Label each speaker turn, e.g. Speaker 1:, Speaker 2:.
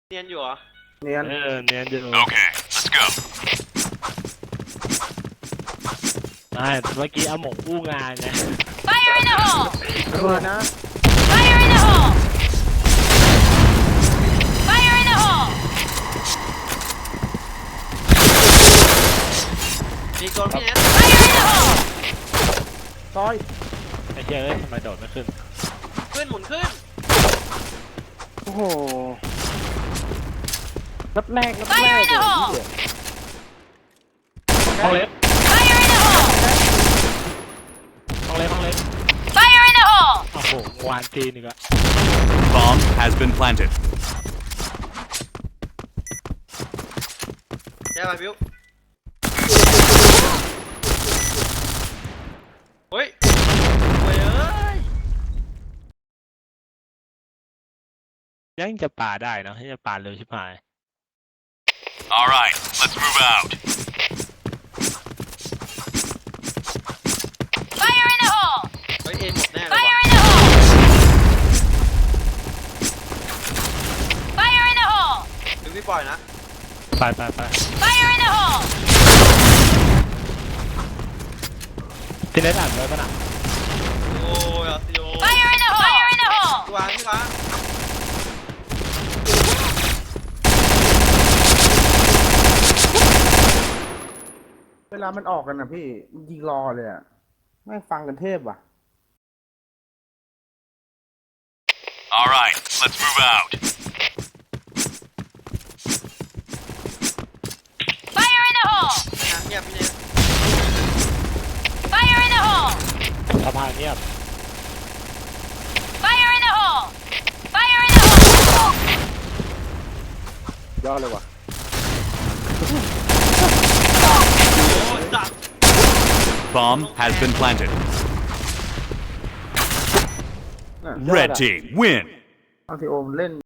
Speaker 1: เนียนอยู่เหรอ
Speaker 2: เนียน
Speaker 3: เนียนอยู่
Speaker 4: Okay, let's go.
Speaker 3: ไม่เมื่อกี้อาหมงอู้งานไง
Speaker 5: Fire in the hole!
Speaker 2: ระเบิดนะ
Speaker 5: Fire in the hole! Fire in the hole!
Speaker 1: มีกลพี่เนส
Speaker 5: Fire in the hole!
Speaker 2: ซอย
Speaker 3: ไอ้เจ้ยทำไมโดดไม่ขึ้น
Speaker 1: ขึ้นหมุนขึ้น
Speaker 2: โอ้โหนัดแรก
Speaker 5: Fire in the hole!
Speaker 3: ห้องเล็บ
Speaker 5: Fire in the hole!
Speaker 3: ห้องเล็บ
Speaker 5: Fire in the hole!
Speaker 3: โอ้โหวานจีนอีกอะ
Speaker 4: Bomb has been planted.
Speaker 1: แย่ไปบิวเฮ้ยเฮ้ยเอ้ย
Speaker 3: ยังจะป่าได้เนอะที่จะป่าเร็วชิบหาย
Speaker 4: All right, let's move out.
Speaker 5: Fire in the hole!
Speaker 1: เฮ้ยเอ็นหมดแน่เลย
Speaker 5: Fire
Speaker 1: ว่ะ
Speaker 5: in the hole! Fire in the hole!
Speaker 1: บิวพี่ปล่อยนะ
Speaker 3: ไป
Speaker 5: Fire in the hole!
Speaker 3: ที่เน็ตอ่านไว้ปะน่ะ
Speaker 1: โอ้ยอาซิโอ
Speaker 5: Fire in the hole! Fire in the hole!
Speaker 1: พี่วางพี่วาง
Speaker 2: เวลามันออกกันนะพี่มันยิงรอเลยอ่ะแม่งฟังกันเทพว่ะ
Speaker 4: All right, let's move out.
Speaker 5: Fire in the hole!
Speaker 1: นะเงียบพี่เนส
Speaker 5: Fire in the hole!
Speaker 3: สะพานเงียบ
Speaker 5: Fire in the hole! Fire in the hole!
Speaker 2: ยอดเลยว่ะ
Speaker 1: โอ้ยจับ
Speaker 4: Bomb has been planted.
Speaker 2: น่ะ
Speaker 4: Red team win.
Speaker 2: บางทีโอมเล่น